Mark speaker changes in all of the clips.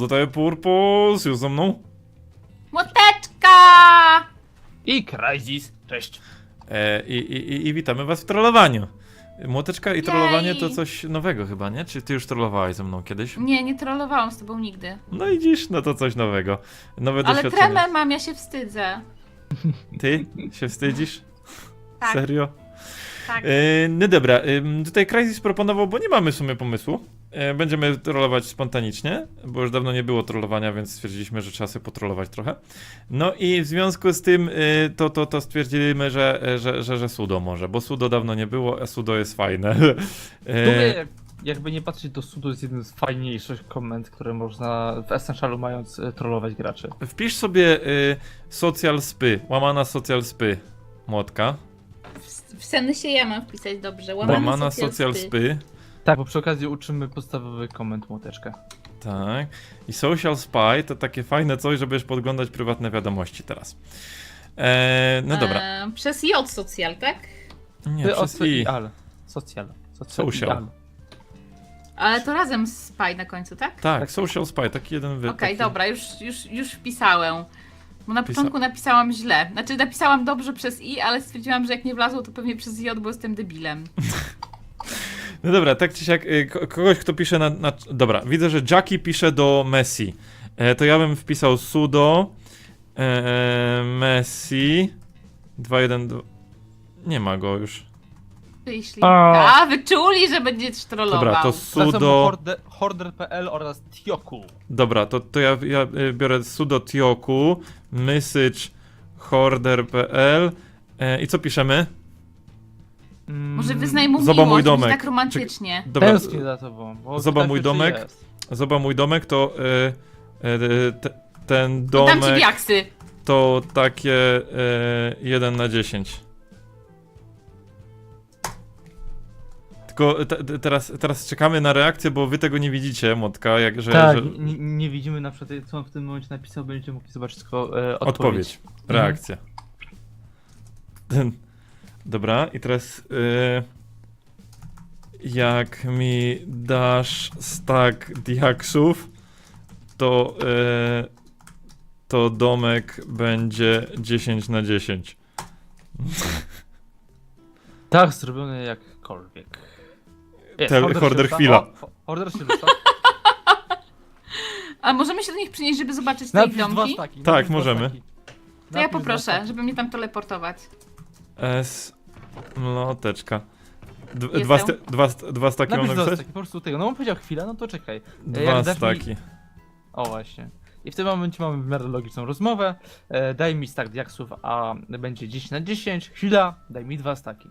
Speaker 1: tutaj Purpos, już ze mną.
Speaker 2: Młoteczka!
Speaker 3: I Crysis, cześć.
Speaker 1: I witamy was w trollowaniu. Młoteczka i trollowanie
Speaker 2: Jej.
Speaker 1: to coś nowego chyba, nie? Czy ty już trollowałaś ze mną kiedyś?
Speaker 2: Nie trollowałam z tobą nigdy.
Speaker 1: No i dziś, no to coś nowego. Nowe
Speaker 2: Ale
Speaker 1: doświadczenie.
Speaker 2: tremę mam, ja się wstydzę.
Speaker 1: Ty się wstydzisz?
Speaker 2: Tak,
Speaker 1: Serio?
Speaker 2: tak.
Speaker 1: No dobra, tutaj Crysis proponował, bo nie mamy w sumie pomysłu. Będziemy trollować spontanicznie, bo już dawno nie było trollowania, więc stwierdziliśmy, że trzeba sobie potrollować trochę. No i w związku z tym to stwierdziliśmy, że sudo może, bo sudo dawno nie było, a sudo jest fajne.
Speaker 3: Jakby nie patrzeć, to sudo jest jeden z fajniejszych komend, które można w Essentialu mając trollować graczy.
Speaker 1: Wpisz sobie social spy, łamana social spy, Młotka.
Speaker 2: W sensie ja mam wpisać dobrze.
Speaker 1: Łamana social spy.
Speaker 3: Tak, bo przy okazji uczymy podstawowych komend Młoteczka.
Speaker 1: Tak. I social spy to takie fajne coś, żebyś podglądać prywatne wiadomości teraz. No dobra.
Speaker 2: Przez J social, tak?
Speaker 1: Nie, przez i.
Speaker 3: Social.
Speaker 1: Social.
Speaker 2: Ale to razem z spy na końcu, tak?
Speaker 1: Tak, social spy, taki jeden
Speaker 2: Okej,
Speaker 1: taki...
Speaker 2: dobra, już wpisałem. Bo na początku napisałam źle. Znaczy napisałam dobrze przez i, ale stwierdziłam, że jak nie wlazło, to pewnie przez j, bo jestem debilem.
Speaker 1: No dobra, tak czy siak, kogoś kto pisze Dobra, widzę, że Jackie pisze do Messi. To ja bym wpisał sudo Messi 212. Nie ma go już.
Speaker 2: Jeśli...
Speaker 3: A.
Speaker 2: A, wyczuli, że będziesz trollował.
Speaker 1: Dobra, to sudo...
Speaker 3: Horder.pl oraz Tioku.
Speaker 1: Dobra, to ja biorę sudo tioku, message horder.pl i co piszemy?
Speaker 2: Może wyznaj mu
Speaker 1: Zobacz mój
Speaker 2: miłość,
Speaker 1: domek.
Speaker 2: tak romantycznie.
Speaker 1: Dobra,
Speaker 3: Tęsknię za tobą. bo
Speaker 1: Zobacz
Speaker 3: tak
Speaker 1: mój
Speaker 3: jeszcze
Speaker 1: domek.
Speaker 3: jest.
Speaker 1: zobacz mój domek, to ten
Speaker 2: To dam ci
Speaker 1: domek
Speaker 2: diaksy.
Speaker 1: to takie 1 na 10. Tylko teraz czekamy na reakcję, bo wy tego nie widzicie, Młotka,
Speaker 3: Tak,
Speaker 1: że
Speaker 3: nie widzimy na przykład, co on w tym momencie napisał, będziecie mogli zobaczyć tylko
Speaker 1: odpowiedź, reakcja. Dobra, i teraz jak mi dasz stack diaksów, to domek będzie 10 na 10.
Speaker 3: Tak, zrobione jakkolwiek. Jest,
Speaker 1: Horder
Speaker 3: szybka.
Speaker 1: chwila.
Speaker 3: O, Horder szybka.
Speaker 2: A możemy się do nich przynieść, żeby zobaczyć te
Speaker 3: Napisz dwa
Speaker 2: domki?
Speaker 3: staki.
Speaker 1: Tak,
Speaker 3: napisz dwa
Speaker 1: możemy.
Speaker 3: staki.
Speaker 2: To ja
Speaker 3: Napisz dwa
Speaker 2: poproszę,
Speaker 3: staki.
Speaker 2: żeby mnie tam teleportować.
Speaker 1: S mloteczka.
Speaker 2: Jestem.
Speaker 1: Dwa staki mam
Speaker 3: Napisz dwa
Speaker 1: napisać?
Speaker 3: staki, po prostu tego. No on powiedział chwilę, no to czekaj.
Speaker 1: Dwa
Speaker 3: Jak dasz
Speaker 1: staki.
Speaker 3: Mi... O właśnie. I w tym momencie mamy w miarę logiczną rozmowę. Daj mi stack diaksów, a będzie 10 na 10. Chwila, daj mi 2 staki.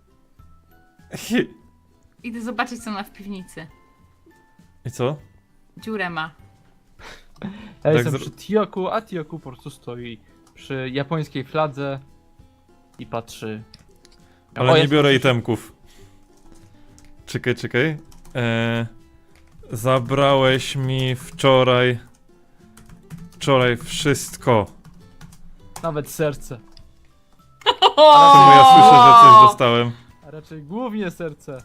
Speaker 2: Idę zobaczyć, co ma w piwnicy.
Speaker 1: I co?
Speaker 2: Dziurę ma.
Speaker 3: Ja
Speaker 1: Tak
Speaker 3: jestem przy Tioku, a Tioku po prostu stoi przy japońskiej fladze i patrzy.
Speaker 1: Ale
Speaker 3: O,
Speaker 1: nie
Speaker 3: jest
Speaker 1: biorę
Speaker 3: coś-
Speaker 1: itemków. Czekaj. Zabrałeś mi wczoraj wszystko.
Speaker 3: Nawet serce.
Speaker 1: Czemu ja słyszę, że coś dostałem?
Speaker 3: A raczej głównie serce.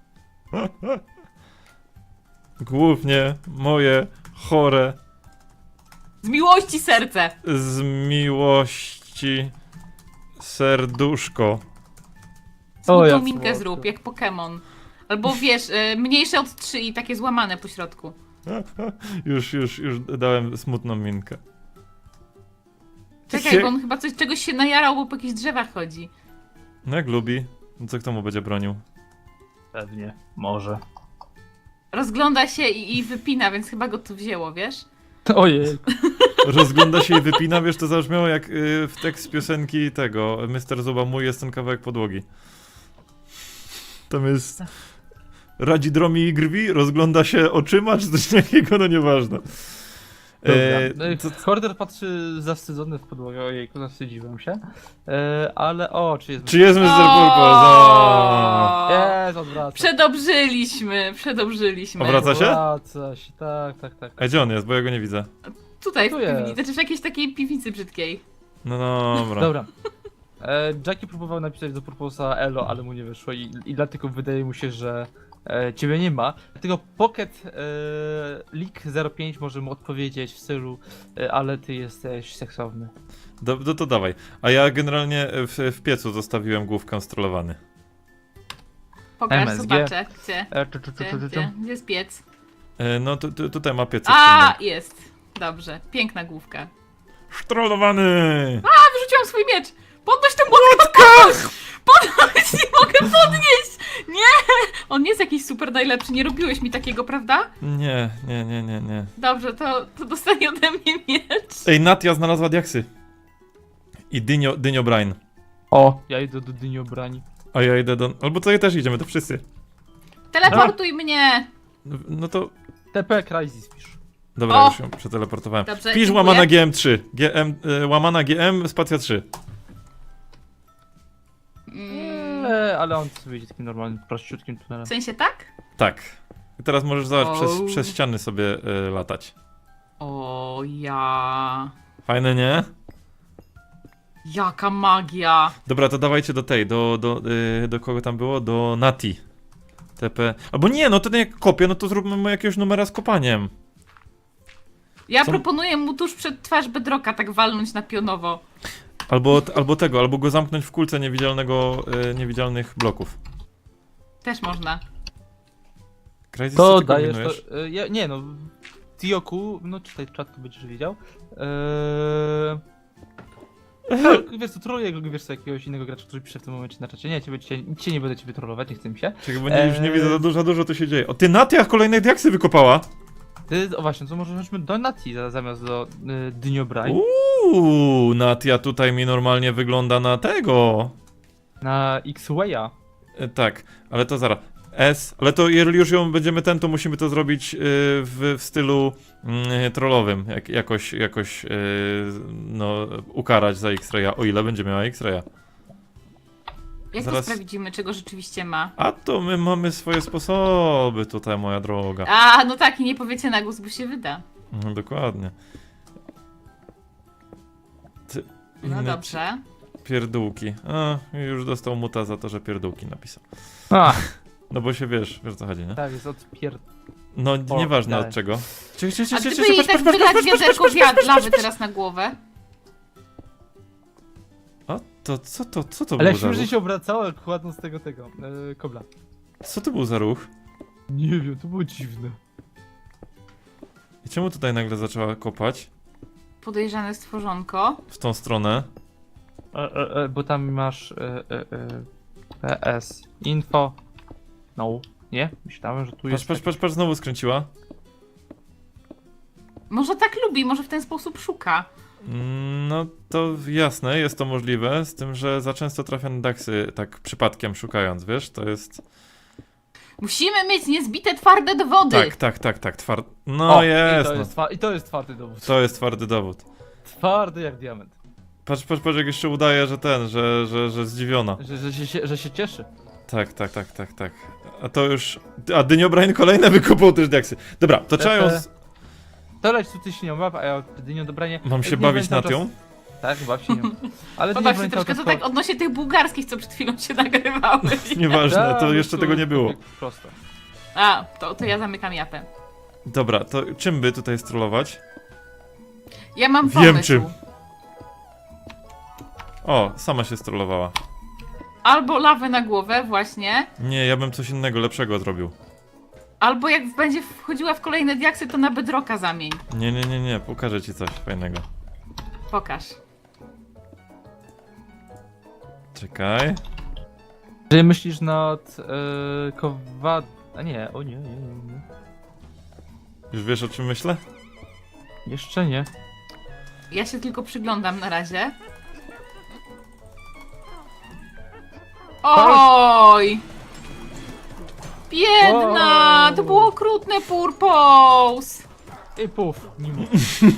Speaker 1: Głównie moje chore
Speaker 2: Z miłości serce!
Speaker 1: z miłości serduszko.
Speaker 3: O,
Speaker 2: Smutną
Speaker 3: jak
Speaker 2: minkę
Speaker 3: słodko.
Speaker 2: zrób, jak Pokémon. Albo wiesz, mniejsze od 3 i takie złamane po środku.
Speaker 1: Już dałem smutną minkę.
Speaker 2: Czekaj, bo on chyba czegoś się najarał, bo po jakichś drzewach chodzi.
Speaker 1: No jak lubi, no co kto mu będzie bronił?
Speaker 3: Pewnie, może.
Speaker 2: Rozgląda się i wypina, więc chyba go tu wzięło, wiesz?
Speaker 3: Ojej.
Speaker 1: Rozgląda się i wypina, wiesz, to zabrzmiało jak w tekst piosenki tego Mr. Zuba, mój jest ten kawałek podłogi. Tam jest radzi dromi i grwi, rozgląda się oczyma, czy coś takiego, no nieważne.
Speaker 3: Horder patrzy zawstydzony w podłogę, ojejku, zawstydziłem się. Ale czy jest...
Speaker 1: Czy jest Mr. Purpose? O!
Speaker 3: Jest, odwraca.
Speaker 2: Przedobrzyliśmy.
Speaker 1: Obraca się?
Speaker 3: Odwraca się, tak.
Speaker 1: A gdzie on jest, bo ja go nie widzę.
Speaker 2: Tutaj w
Speaker 3: Tu
Speaker 2: piwnicy,
Speaker 3: jest.
Speaker 2: znaczy w jakiejś takiej piwnicy brzydkiej.
Speaker 1: No dobra.
Speaker 3: Dobra. Jackie próbował napisać do Purposa Elo, ale mu nie wyszło i dlatego wydaje mu się, że ciebie nie ma. Dlatego Pocket Leak 05 może mu odpowiedzieć w stylu, ale ty jesteś seksowny.
Speaker 1: To dawaj. A ja generalnie w piecu zostawiłem główkę strolowany.
Speaker 2: Pokaż,
Speaker 3: MSG.
Speaker 2: zobaczę. Gdzie?
Speaker 3: Gdzie?
Speaker 2: Gdzie jest piec?
Speaker 1: No tutaj ma piec.
Speaker 2: A, jest. Dobrze. Piękna główka.
Speaker 1: Strolowany!
Speaker 2: Wyrzuciłam swój miecz! Podnoś tę młotkę! Podnoś! Nie mogę podnieść! Nie! On nie jest jakiś super najlepszy, nie robiłeś mi takiego, prawda?
Speaker 1: Nie.
Speaker 2: Dobrze, to dostanie ode mnie miecz.
Speaker 1: Ej, Natia znalazła diaksy. I Dynio Brain.
Speaker 3: O, ja idę do Dyniobrani.
Speaker 1: A ja idę do... Albo to ja też idziemy, to wszyscy.
Speaker 2: Teleportuj mnie!
Speaker 1: No to...
Speaker 3: TP Crysis pisz.
Speaker 1: Dobra,
Speaker 2: O!
Speaker 1: już ją przeteleportowałem.
Speaker 2: Dobrze,
Speaker 1: Pisz
Speaker 2: dziękuję.
Speaker 1: łamana GM3. Łamana GM, spacja 3.
Speaker 3: Ale on sobie idzie takim normalnym, prościutkim tunelem.
Speaker 2: W sensie tak?
Speaker 1: Tak. I teraz możesz zobacz,
Speaker 2: O.
Speaker 1: przez ściany sobie latać.
Speaker 2: O ja.
Speaker 1: Fajne, nie?
Speaker 2: Jaka magia.
Speaker 1: Dobra, to dawajcie do tej, do kogo tam było? Do Nati. TP. Albo nie, no to jak kopię, no to zróbmy mu jakiegoś numera z kopaniem.
Speaker 2: Ja
Speaker 1: Co?
Speaker 2: proponuję mu tuż przed twarz Bedrocka tak walnąć na pionowo.
Speaker 1: Albo go zamknąć w kulce niewidzialnych bloków.
Speaker 2: Też można.
Speaker 1: Crazy,
Speaker 3: To
Speaker 1: co ty
Speaker 3: dajesz
Speaker 1: kombinujesz?
Speaker 3: to, nie no, Tioku, no czytaj czat, to będziesz wiedział. Wiesz co, troluję, wiesz co, jakiegoś innego gracza, który pisze w tym momencie na czacie. Nie, cię nie będę ciebie trollować, nie chcę mi się.
Speaker 1: Czekaj, bo już nie widzę, za dużo tu się dzieje. O, ty Natia kolejne diaksy wykopała!
Speaker 3: O właśnie, to może chodźmy do Nati zamiast do Dyniobrani.
Speaker 1: Natia tutaj mi normalnie wygląda na tego.
Speaker 3: Na X-Waya.
Speaker 1: Tak, ale to zaraz. Ale to jeżeli już ją będziemy to musimy to zrobić w stylu trollowym. Jakoś no, ukarać za X-Raya, o ile będzie miała X-Raya.
Speaker 2: Jak
Speaker 1: Zaraz-
Speaker 2: to sprawdzimy, czego rzeczywiście ma?
Speaker 1: A to my mamy swoje sposoby tutaj, moja droga.
Speaker 2: A, no tak, i nie powiecie na głos, bo się wyda.
Speaker 1: No, dokładnie.
Speaker 2: No
Speaker 1: Inne
Speaker 2: dobrze.
Speaker 1: Pierdółki. A, już dostał muta za to, że pierdółki napisał.
Speaker 3: A,
Speaker 1: No bo się wiesz o co chodzi, nie?
Speaker 3: tak, jest
Speaker 1: No,
Speaker 3: O,
Speaker 1: nieważne
Speaker 3: dalej.
Speaker 1: od czego.
Speaker 2: A gdyby jej tak wylać wiaderko lawy teraz na głowę?
Speaker 1: O, to co to
Speaker 3: Ale
Speaker 1: było
Speaker 3: jak
Speaker 1: za ruch?
Speaker 3: się obracało, jak kładąc tego kobla.
Speaker 1: Co to był za ruch?
Speaker 3: Nie wiem, to było dziwne.
Speaker 1: I czemu tutaj nagle zaczęła kopać?
Speaker 2: Podejrzane stworzonko.
Speaker 1: W tą stronę.
Speaker 3: Bo tam masz PS info. No, nie? Myślałem, że tu jest.
Speaker 1: Patrz, znowu skręciła.
Speaker 2: Może tak lubi, może w ten sposób szuka.
Speaker 1: No to jasne, jest to możliwe, z tym, że za często trafia na daksy tak przypadkiem szukając, wiesz, to jest...
Speaker 2: Musimy mieć niezbite twarde dowody.
Speaker 1: Tak, no
Speaker 3: O,
Speaker 1: jest,
Speaker 3: I to jest twardy dowód.
Speaker 1: to jest twardy dowód.
Speaker 3: Twardy jak diament.
Speaker 1: Patrz, jak jeszcze udaje, że że zdziwiona.
Speaker 3: Że się cieszy.
Speaker 1: Tak. A to już... A Dyniobrain kolejne wykopał też diaksy. Dobra, to trzeba ją...
Speaker 3: To leć tu ty się nią baw, a ja jedynie dobranie.
Speaker 1: Mam się
Speaker 3: Nie
Speaker 1: bawić
Speaker 3: pamiętam
Speaker 1: nad nią?
Speaker 3: Tak, baw się nią. Ale
Speaker 2: Pobaw się troszkę, to tak odnośnie tych bułgarskich, co przed chwilą się nagrywały.
Speaker 1: Nieważne, to jeszcze tego nie było.
Speaker 3: Prosto.
Speaker 2: A, to ja zamykam japę.
Speaker 1: Dobra, to czym by tutaj strollować?
Speaker 2: Ja mam
Speaker 1: Wiem
Speaker 2: pomysł.
Speaker 1: czym. O, sama się strollowała.
Speaker 2: Albo lawę na głowę, właśnie.
Speaker 1: Nie, ja bym coś innego, lepszego zrobił.
Speaker 2: Albo jak będzie wchodziła w kolejne diaksy, to na Bedrocka zamień.
Speaker 1: Nie, pokażę ci coś fajnego.
Speaker 2: Pokaż.
Speaker 1: Czekaj.
Speaker 3: Czy myślisz nad A nie, o nie.
Speaker 1: Już wiesz o czym myślę?
Speaker 3: Jeszcze nie.
Speaker 2: Ja się tylko przyglądam na razie. Oj! Biedna!
Speaker 3: Wow.
Speaker 2: To było okrutne purpose!
Speaker 3: I puf, nie mów.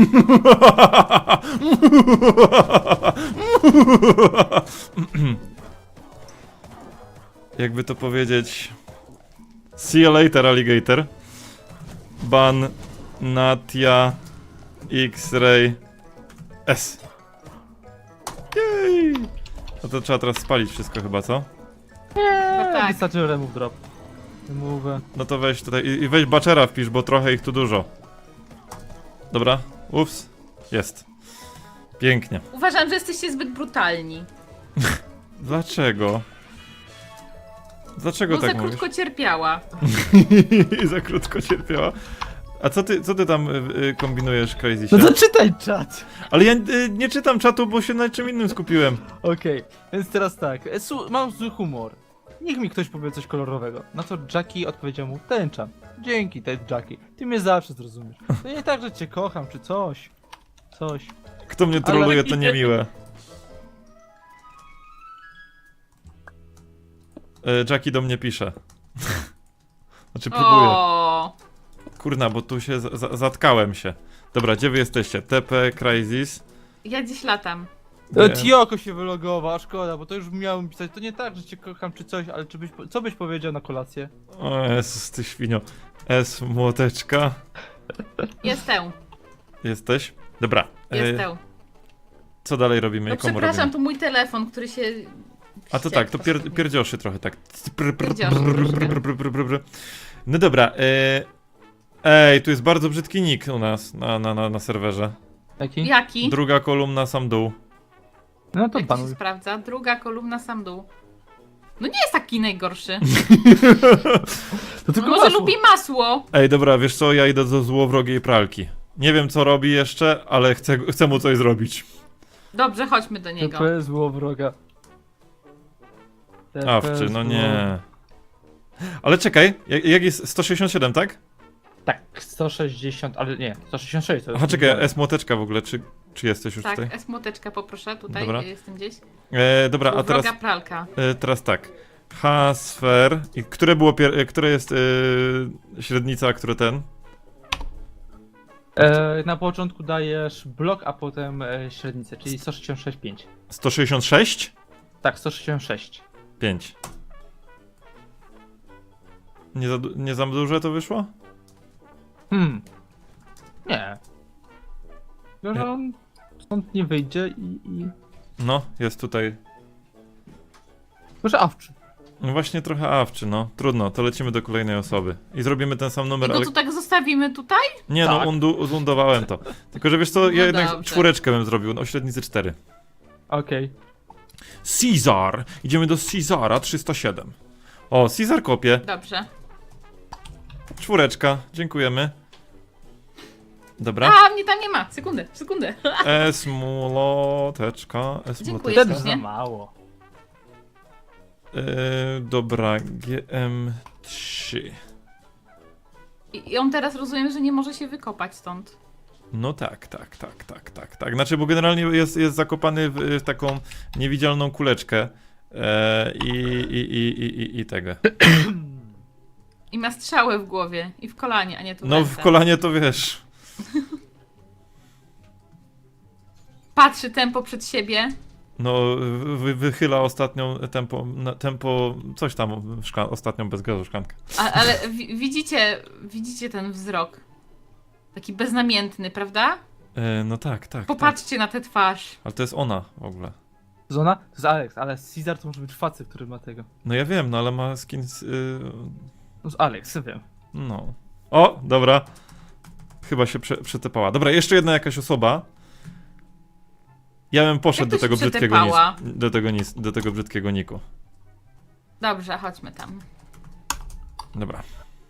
Speaker 1: Jakby to powiedzieć... See you later, alligator. Ban Natia X-Ray S. Jej! No to trzeba teraz spalić wszystko chyba, co?
Speaker 2: tak.
Speaker 3: Wystarczy remove drop. Mówię.
Speaker 1: No to weź tutaj i weź baczera wpisz, bo trochę ich tu dużo. Dobra, ups, jest. Pięknie.
Speaker 2: Uważam, że jesteście zbyt brutalni.
Speaker 1: Dlaczego? Dlaczego
Speaker 2: Bo
Speaker 1: tak
Speaker 2: za
Speaker 1: mówisz?
Speaker 2: krótko cierpiała.
Speaker 1: I za krótko cierpiała. A co ty tam kombinujesz, Crazy?
Speaker 3: No to czytaj czat!
Speaker 1: Ale ja nie czytam czatu, bo się na czym innym skupiłem.
Speaker 3: Okej, więc teraz tak. Mam zły humor. Niech mi ktoś powie coś kolorowego. Na co Jackie odpowiedział mu, tęcza. Dzięki, ten Jackie. Ty mnie zawsze zrozumiesz. To nie tak, że cię kocham, czy coś. Coś.
Speaker 1: Kto mnie troluje, to niemiłe. Jackie do mnie pisze. Znaczy próbuje.
Speaker 2: O,
Speaker 1: Kurna, bo tu się zatkałem się. Dobra, gdzie wy jesteście? TP, Crazies.
Speaker 2: ja dziś latam.
Speaker 1: Nie.
Speaker 3: Tioko się wylogował, a szkoda, bo to już miałem pisać. To nie tak, że cię kocham, czy coś, ale co byś powiedział na kolację?
Speaker 1: O Jezus, ty świnio. S, młoteczka.
Speaker 2: Jestem.
Speaker 1: Jesteś? Dobra.
Speaker 2: Jestem.
Speaker 1: Co dalej robimy
Speaker 2: No
Speaker 1: i komu
Speaker 2: przepraszam,
Speaker 1: robimy?
Speaker 2: to mój telefon, który się...
Speaker 1: A to tak, to pierdzioszy trochę tak.
Speaker 2: Pierdzioszy,
Speaker 1: No dobra, ej, tu jest bardzo brzydki nick u nas na serwerze.
Speaker 3: Jaki?
Speaker 2: Jaki?
Speaker 1: Druga kolumna, sam dół.
Speaker 3: No to
Speaker 2: Jak to się
Speaker 3: banuj.
Speaker 2: sprawdza? Druga kolumna, sam dół. No nie jest taki najgorszy.
Speaker 3: To tylko
Speaker 2: Może
Speaker 3: masło.
Speaker 2: lubi masło.
Speaker 1: Ej, dobra, wiesz co, ja idę do złowrogiej pralki. Nie wiem co robi jeszcze, ale chcę mu coś zrobić.
Speaker 2: Dobrze, chodźmy do niego.
Speaker 3: TP zło wroga. TP
Speaker 1: Awczy, no
Speaker 3: zło-
Speaker 1: nie. Ale czekaj, jak jest 167, tak?
Speaker 3: Tak, 160, ale nie, 166 to jest.
Speaker 1: Aha, czekaj, S-młoteczka w ogóle, czy jesteś już
Speaker 2: Tak,
Speaker 1: tutaj?
Speaker 2: S-młoteczka poproszę, tutaj
Speaker 1: Dobra.
Speaker 2: jestem gdzieś.
Speaker 1: Dobra, a teraz,
Speaker 2: Wroga pralka.
Speaker 1: teraz tak. H-sfer. I które było które jest średnica, a które ten?
Speaker 3: Na początku dajesz blok, a potem średnicę, czyli 166,5.
Speaker 1: 166?
Speaker 3: Tak, 166.
Speaker 1: 5. Nie za duże to wyszło?
Speaker 3: Nie. Tylko, że on stąd nie wyjdzie i...
Speaker 1: No, jest tutaj.
Speaker 3: Może awczy.
Speaker 1: No właśnie trochę awczy, no. Trudno, to lecimy do kolejnej osoby. I zrobimy ten sam
Speaker 2: I
Speaker 1: numer,
Speaker 2: go
Speaker 1: ale...
Speaker 2: tu tak zostawimy tutaj?
Speaker 1: Nie,
Speaker 3: Tak.
Speaker 1: no, uzundowałem to. Tylko, że wiesz co, ja
Speaker 2: No
Speaker 1: jednak
Speaker 2: dobrze.
Speaker 1: czwóreczkę bym zrobił, no, o średnicy 4.
Speaker 3: Okej.
Speaker 1: Caesar! Idziemy do Caesara 307. O, Caesar kopie.
Speaker 2: Dobrze.
Speaker 1: Czwóreczka, dziękujemy. Dobra.
Speaker 2: A, mnie tam nie ma. Sekundę.
Speaker 1: S-młoteczka,
Speaker 2: Dziękuję.
Speaker 3: Ten
Speaker 1: S-młoteczka.
Speaker 3: za mało.
Speaker 1: Dobra, GM3.
Speaker 2: I on teraz rozumiem, że nie może się wykopać stąd.
Speaker 1: No tak. Znaczy, bo generalnie jest zakopany w taką niewidzialną kuleczkę. I tego.
Speaker 2: I ma strzałę w głowie. I w kolanie, a nie tu w
Speaker 1: No
Speaker 2: ręce.
Speaker 1: w kolanie to wiesz.
Speaker 2: Patrzy tempo przed siebie.
Speaker 1: No wychyla ostatnią tempo coś tam, ostatnią bez gazu szklankę.
Speaker 2: Ale widzicie ten wzrok. Taki beznamiętny, prawda?
Speaker 1: No tak.
Speaker 2: Popatrzcie na tę twarz.
Speaker 1: Ale to jest ona w ogóle.
Speaker 3: Zona? To jest Alex, ale Caesar to może być facet, który ma tego.
Speaker 1: No ja wiem, no ale ma skin
Speaker 3: No z Alex, wiem.
Speaker 1: no. O, dobra. Chyba się przetepała. Dobra, jeszcze jedna jakaś osoba. Ja bym poszedł
Speaker 2: Jak
Speaker 1: do
Speaker 2: to
Speaker 1: tego
Speaker 2: się
Speaker 1: brzydkiego
Speaker 2: przetepała?
Speaker 1: do tego brzydkiego niku.
Speaker 2: Dobrze, chodźmy tam.
Speaker 1: Dobra.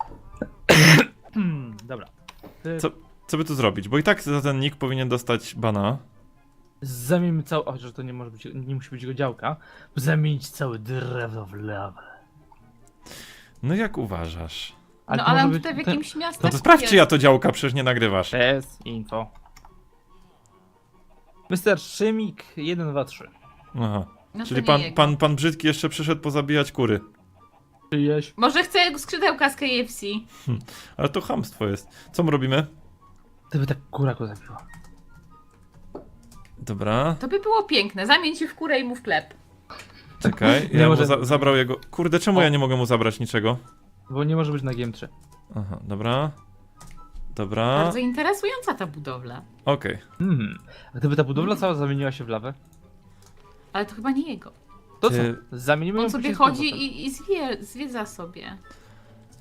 Speaker 3: Dobra.
Speaker 1: Co by tu zrobić? Bo i tak za ten nick powinien dostać bana.
Speaker 3: Zamieńmy cały... O, że to nie może być, nie musi być jego działka. Zamienić całe drewno w lawę.
Speaker 1: No jak uważasz?
Speaker 2: No
Speaker 3: to
Speaker 2: ale
Speaker 3: może
Speaker 2: on
Speaker 3: być
Speaker 2: tutaj w
Speaker 3: ten-
Speaker 2: jakimś miasteczku
Speaker 1: No to sprawdź,
Speaker 2: jest.
Speaker 1: czy ja to działka, przecież nie nagrywasz.
Speaker 3: Jest info. Mr. Szymik 1, 2, 3.
Speaker 1: Aha.
Speaker 2: No to
Speaker 1: Czyli
Speaker 2: nie jego.
Speaker 1: pan brzydki jeszcze przyszedł pozabijać kury.
Speaker 3: Czyjeś?
Speaker 2: Może chce skrzydełka z KFC.
Speaker 1: Ale to chamstwo jest. Co my robimy?
Speaker 3: Gdyby tak kura go zabiła.
Speaker 1: Dobra,
Speaker 2: To by było piękne. Zamień się w kurę i mu w chleb.
Speaker 1: czekaj.
Speaker 3: Nie
Speaker 1: Ja mu
Speaker 3: może-
Speaker 1: zabrał jego... Kurde, czemu ja nie mogę mu zabrać niczego?
Speaker 3: Bo nie może być na GM3.
Speaker 1: Aha, dobra. Dobra,
Speaker 2: Bardzo interesująca ta budowla.
Speaker 1: okej.
Speaker 3: A gdyby ta budowla cała zamieniła się w lawę?
Speaker 2: Ale to chyba nie jego.
Speaker 3: To co?
Speaker 1: Ty-
Speaker 3: Zamienimy ją
Speaker 2: On sobie
Speaker 3: później z
Speaker 2: chodzi
Speaker 3: powrotem.
Speaker 2: i zwiedza sobie.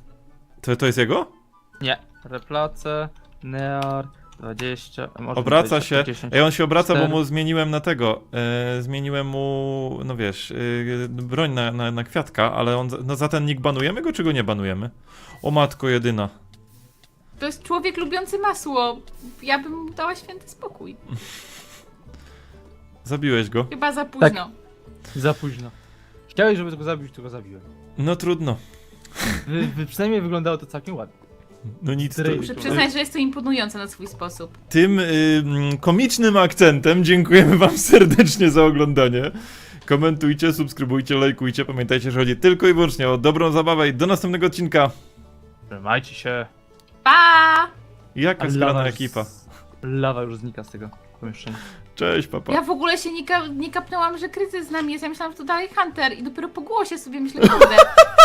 Speaker 1: To jest jego?
Speaker 3: Nie. Replace, Near, 20... może
Speaker 1: Obraca
Speaker 3: 20,
Speaker 1: się.
Speaker 3: 10.
Speaker 1: Ej, on się obraca, bo
Speaker 3: 4.
Speaker 1: mu zmieniłem na tego. Zmieniłem mu, no wiesz, broń na kwiatka, ale on, no za ten nick banujemy go, czy go nie banujemy? O matko jedyna.
Speaker 2: To jest człowiek lubiący masło. Ja bym mu dała święty spokój.
Speaker 1: Zabiłeś go.
Speaker 2: Chyba za późno.
Speaker 3: Za późno. Chciałeś, żeby go zabić, to go zabiłem.
Speaker 1: No trudno.
Speaker 3: Przynajmniej wyglądało to całkiem ładnie.
Speaker 1: No nic.
Speaker 3: Zdrej-
Speaker 2: Muszę przyznać, że jest to imponujące na swój sposób.
Speaker 1: Tym komicznym akcentem dziękujemy wam serdecznie za oglądanie. Komentujcie, subskrybujcie, lajkujcie. Pamiętajcie, że chodzi tylko i wyłącznie o dobrą zabawę i do następnego odcinka.
Speaker 3: Trzymajcie się.
Speaker 2: Pa!
Speaker 1: Jaka zgrana ekipa.
Speaker 3: Lawa już znika z tego pomieszczenia.
Speaker 1: Cześć, papa.
Speaker 2: Ja w ogóle się nie kapnęłam, że kryzys z nami jest. Ja myślałam, że to dalej Hunter i dopiero po głosie sobie myślę, kurde.